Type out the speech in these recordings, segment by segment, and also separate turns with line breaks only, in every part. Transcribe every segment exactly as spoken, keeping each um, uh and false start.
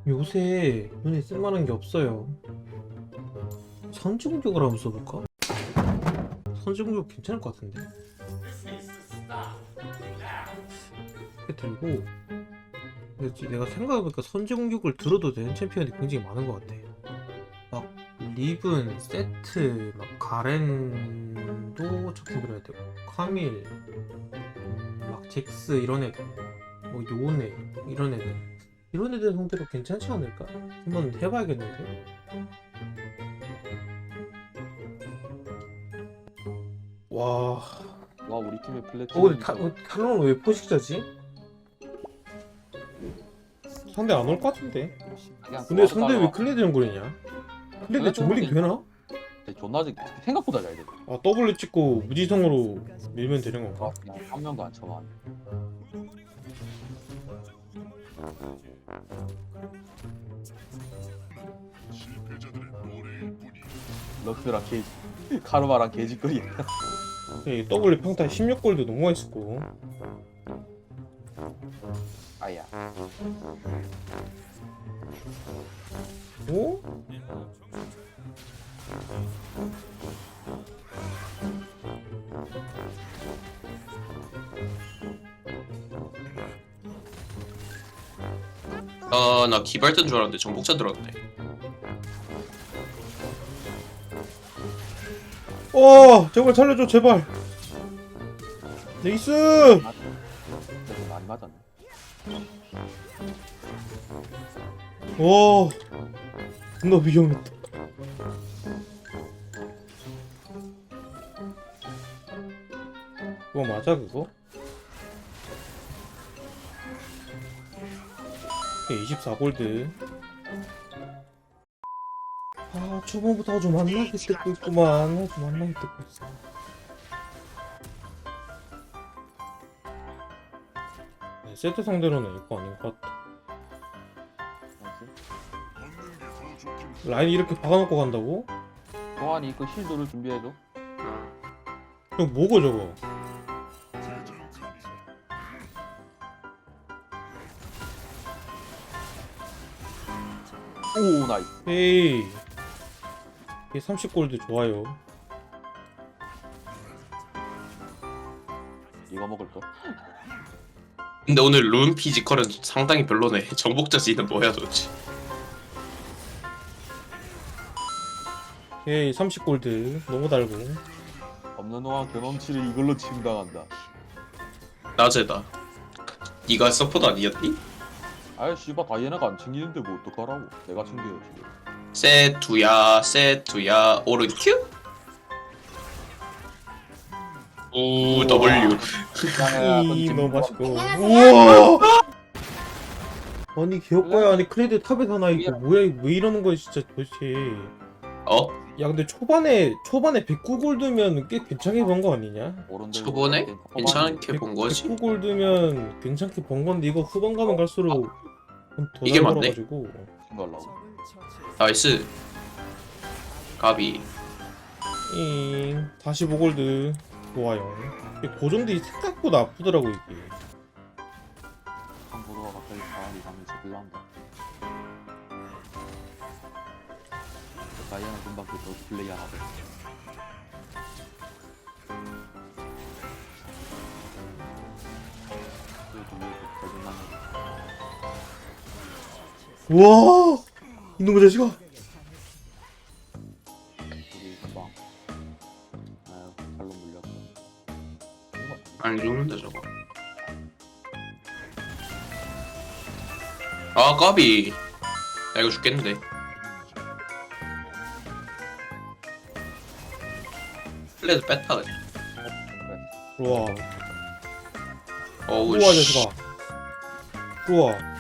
요새 눈에 쓸만한 게 없어요. 선지공격을 한번 써볼까? 선지공격 괜찮을 것 같은데. 이렇게 들고 그렇지, 내가 생각해보니까 선지공격을 들어도 되는 챔피언이 굉장히 많은 것 같아. 막 리븐, 세트, 막 가렌도 적힌 들어야 되고, 카밀, 음, 막 잭스 이런 애들, 뭐 요네 이런 애들, 이런 애들 상대로 괜찮지 않을까? 한번 해봐야겠는데. 와,
와 우리 팀의 플래티넘.
어 근데 타, 어, 탈론은 왜 포식자지? 상대 안 올 것 같은데. 근데 상대 왜 클레드 연골이냐? 클레드 저글링 되나?
존나 지- 생각보다 잘 돼.
아, W 찍고 무지성으로 밀면 되는 건가?
그냥 한 명도 안 쳐봐. 럭스랑 개 카르마랑 개짓거리.
이 W 평타 십육 골도 너무 맛있고.
아야.
오?
아, 나 기발된 줄 알았는데 정복자 들었네.
어, 제발 살려줘, 제발. 네이스.
그래서 많이 맞았네.
와, 존나 위험했다. 그거 맞아, 그거? 이십사 골드. 아, 초반부터 아주 만나게 뜯고 있구만. 아주 만나게 뜯고 있어. 네, 세트 상대로는 이거 아닌 것 같아. 라인 이렇게 박아놓고 간다고?
동환이 그 실드를 준비해줘.
이거 뭐고 저거?
오 나이스.
에이, 이게 삼십 골드 좋아요.
이거 먹을 거.
근데 오늘 룬 피지컬은 상당히 별로네. 정복자 지는 뭐야 도대체.
에이, 삼십 골드 너무 달고.
없는 동안 경험치를 이걸로 침당한다.
낮에다. 네가 서포트 아니었니?
아이 씨발 다이애나가 안 챙기는데 뭐 어떡하라고. 내가 챙겨요 지금.
세투야 세투야 오른 큐? 오 W.
이 너무 맛있고. 우와. 아니 개혁과야. 아니 클레드 탑에 사나 이거 뭐야? 이거 왜 이러는 거야 진짜 도대체.
어?
야 근데 초반에 초반에 백구 골드면 꽤 괜찮게 번 거 아니냐?
초반에 괜찮게 본 거지?
백구 골드면 괜찮게 번 건데 이거 후반 가면 갈수록 더
이게 맞네?
달아가지고.
챙겨가려고.
나이스. 가비.
잉, 사십오 골드 좋아요. 이게 고정들이 생각보다 아프더라고 이게.
한국어가 갑자기 가을이 가면서 빌라온다. 다이애나 금방 그 플레이 하나 돼.
우와, 이놈의 자식아.
우리 금방 아유 칼로 물렸고.
안 죽는다 저거. 아 까비. 나 이거 죽겠는데. 플레드 뺐다 그냥.
우와,
어우
우와
씨.
자식아. 우와.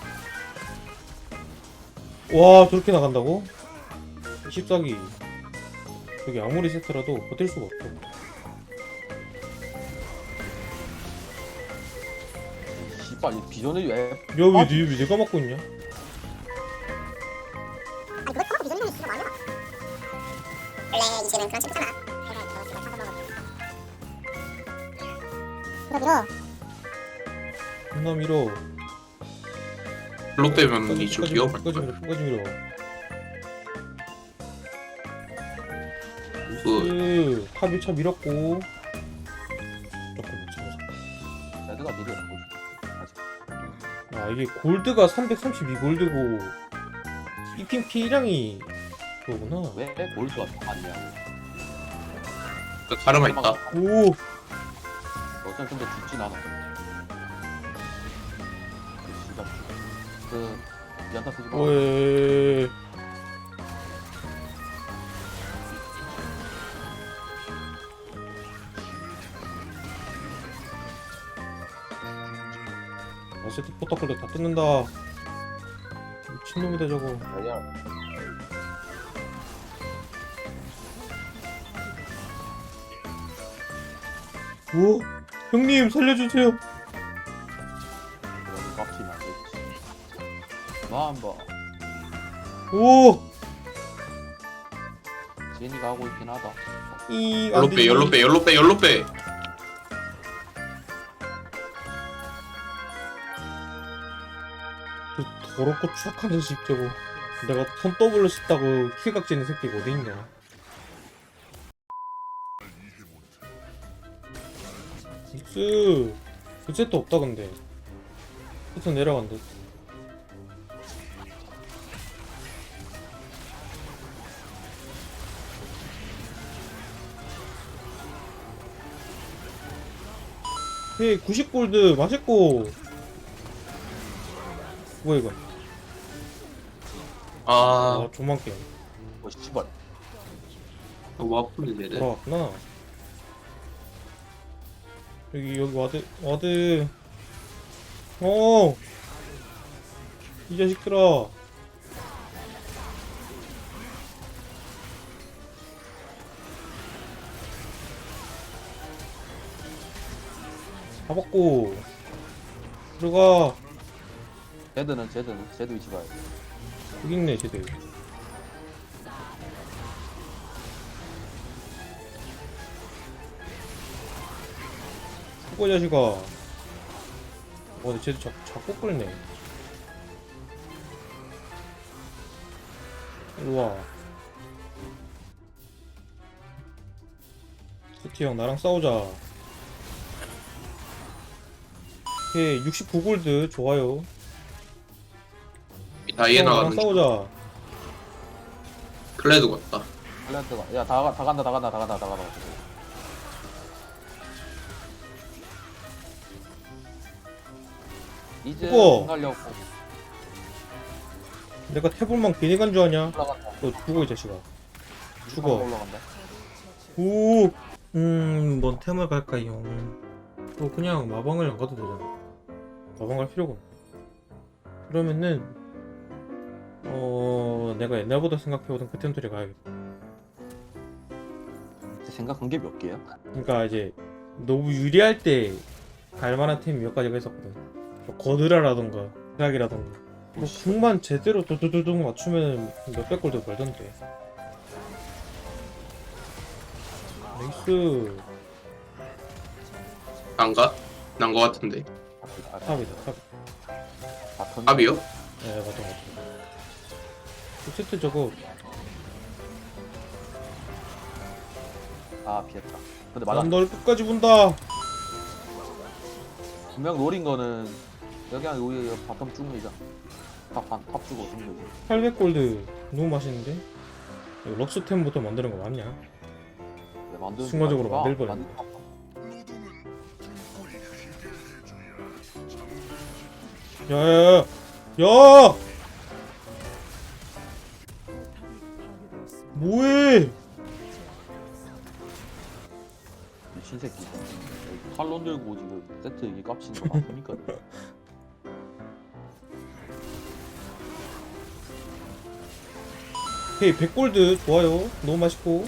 와, 저렇게 나간다고? 십사기. 저기 아무리 세트라도 버틸 수가 없어.
씨발 이 비전을 왜?
야, 왜, 왜, 왜 내가 맞고 있냐?
아니 그걸 커버 비전이 있는 거 아니야? 원래 이제는 그런 식이잖아. 밀어 밀어.
존나 밀어.
블록 빼면
끝까지,
이좀
끝까지
위험할
밀어,
거야.
끝까지 밀어, 끝까지 밀어.
그
나이스. 탑 일 차 밀었고. 조금 잡아서.
레드가 미래 아직.
아 이게 골드가 삼백삼십이 골드고 이핑 피량이 그거구나.
왜 골드가 더 많냐고.
그 가르마 있다.
오.
어차피 근데 죽진 않아. 그 씨발. 그 연타 쓰지 마.
오에. 어세트 포터클도 다 뜯는다. 미친놈이다 저거.
아니야.
오, 형님 살려주세요.
그런 깝치면 안 되지. 너 한번
오,
제니가 하고 있긴 하다.
이
열로 빼, 열로 빼, 열로 빼, 열로 빼.
그 더럽고 추악한 자식 저거. 내가 손 더블로 씹다고 킬각지는 새끼가 어디 있냐? 믹스 그 세트 없다 근데. 세트 내려간대. 헤이 구십 골드 맛있고. 뭐야 이거?
아,
아 조만 게임
뭐 씨발.
너무 아픈데 얘네.
돌아왔구나. 여기 여기 와드 와드. 어. 이 자식들아. 잡았고. 들어가.
제드는 제드는 제드 위치 봐야 돼.
여기 있네 쟤들. 수고 자식아. 어 근데 쟤들 자, 자꾸 끌네. 일로와. 스티 형 나랑 싸우자. 오케이 육십구 골드 좋아요.
다이애나
형, 나랑
가는 중.
싸우자.
클레드 같다.
클랜트가 야다 다 간다 다 간다 다 간다 다 간다. 이제
죽어.
가려고
내가 태블망 괜히 간 줄 아냐?
올라간다.
너 죽어 이 자식아. 죽어.
올라간다.
오. 음, 뭔 템을 갈까요? 뭐 그냥 마방을 안 가도 되잖아. 마방 갈 필요가 없네. 그러면은 어 내가 옛날보다 생각해보던 그 템들이 가야겠다.
생각한 게 몇 개야?
그러니까 이제 너무 유리할 때 갈만한 템이 몇 가지가 있었거든. 뭐 거드라라던가 드락이라던가. 뭐 궁만 제대로 두두두둑 맞추면 몇백 골도 벌던데. 나이스.
안 가? 난 거 같은데.
탑이다 탑.
바텀
답이요?
네 맞다 맞다. 그 세트 저거
아 피했다. 근데 맞아.
난 널 끝까지 본다.
분명 노린 거는 여기 한 우리 바텀 쭉 밀자. 탑탑 주고 쭉 밀자.
팔백 골드 너무 맛있는데? 이거 럭스템부터 만드는 거 맞냐?
네, 만드는
순간적으로
거
만들버려.
만드는 거.
야야야 야! 뭐해?
미친 새끼. 칼론 들고 지금 세트 이게 깝치는 거 맞습니까?
헤이 백 골드 좋아요. 너무 맛있고.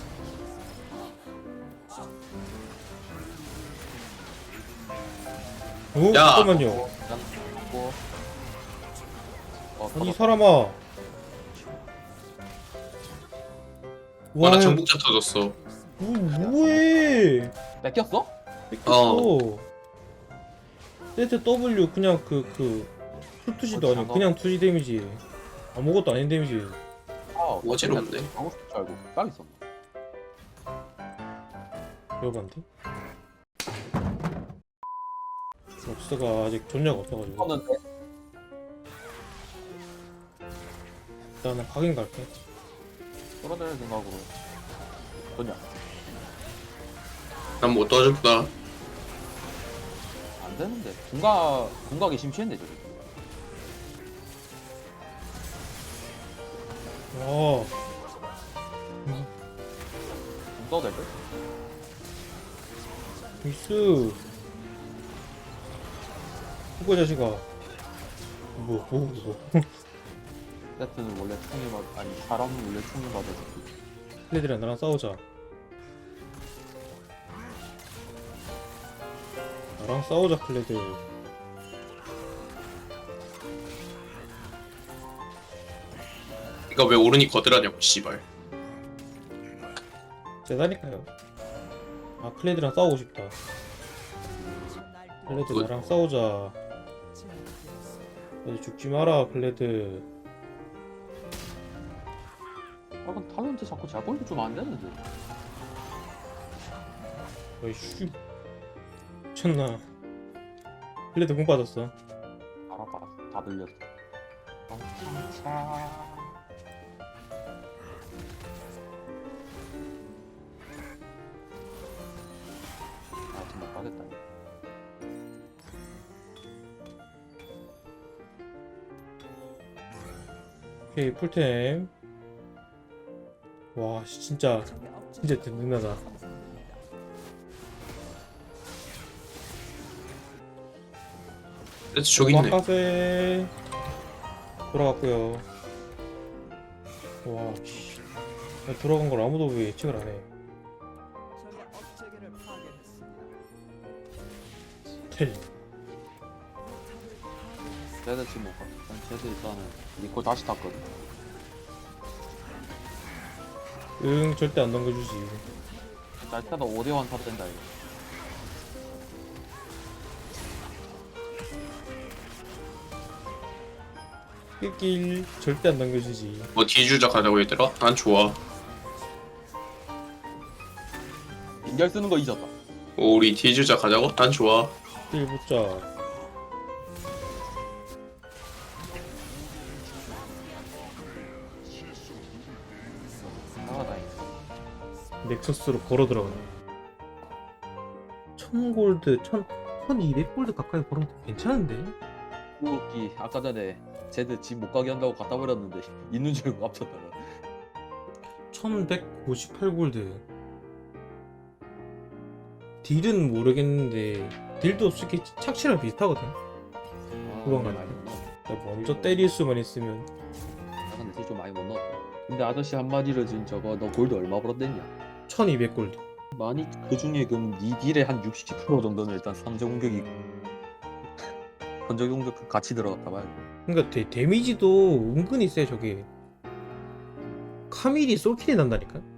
어?
야.
잠깐만요.
고 어,
아니 이
터졌다.
사람아.
와, 나
와,
정복자 터졌어.
뭐, 뭐해?
뺏겼어?
뺏겼어. 세트 W 그냥 그 그 풀투시도
어,
아니고
장갑.
그냥 투시 데미지. 아무것도 아닌 데미지.
아
어지럽네.
하고 싶을 줄 알고 딱 있었네.
배워봤는데? 럭스가 아직 존재가 없어가지고
이거는
일단은 확인 갈게.
떨어질 생각으로 전혀
난 못 도와줄까?
안 되는데 군각 군각이 심취했네 저기.
와
군 써도 될 듯?
미스 후보 자식아. 뭐 뭐 뭐
세트는 원래 총이 맞 아니 사람은 원래 총이 맞아서
클레드랑 나랑 싸우자. 나랑 싸우자 클레드.
그러니까 왜 오른이 거들하냐고 씨발.
세다니까요. 아 클레드랑 싸우고 싶다. 클레드
그거-
나랑 싸우자. 클레드 죽지 마라 클레드.
아 근데 탈런트 자꾸 잘 보여주면 안 되는데.
어이씨 미쳤나. 클레드 공 빠졌어.
알아봐 다 들렸어. 차 아 정말 가겠다.
오케이 풀템. 와 씨, 진짜 진짜 든든하다.
그래서 저기 있네.
와카세 돌아갔고요. 와 씨. 돌아간 걸 아무도 왜 예측을 안 해. 텔.
쟤들 지금 못 가. 일단 쟤들 일단은 니콜 다시 탔거든.
응 절대 안 넘겨주지.
날 타다 오 대 일 타도 된다 이거.
낄낄 절대 안 넘겨주지.
뭐 뒤주자 가자고 얘들아? 난 좋아.
인결 쓰는 거 잊었다.
오, 우리 뒤주자 가자고? 난 좋아.
낄 붙자.
나가다니.
넥서스로 걸어 들어가네. 천 골드, 천, 천이백 골드 가까이 벌으면 괜찮은데?
웃기 아까 전에 쟤들 집 못 가게 한다고 갖다 버렸는데 있는 줄 알고 앞섰다가.
천백오십팔 골드. 딜은 모르겠는데 딜도 솔직히 착취랑 비슷하거든. 그건
많이
같아.
못 넣었다.
그러니까 먼저 때릴 수만 있으면.
아 근데 딜좀 많이 못 넣었다. 근데 아저씨 한마디로 지금 저거 너 골드 얼마 벌었댔냐?
천이백 골드.
많이 그 중에 그럼 니 딜의 한 육십 퍼센트 정도는 일단 삼재 공격이 건적 공격 같이 들어갔다 봐야 돼.
그러니까 데, 데미지도 은근히 세 저게. 카밀이 솔킬이 난다니까.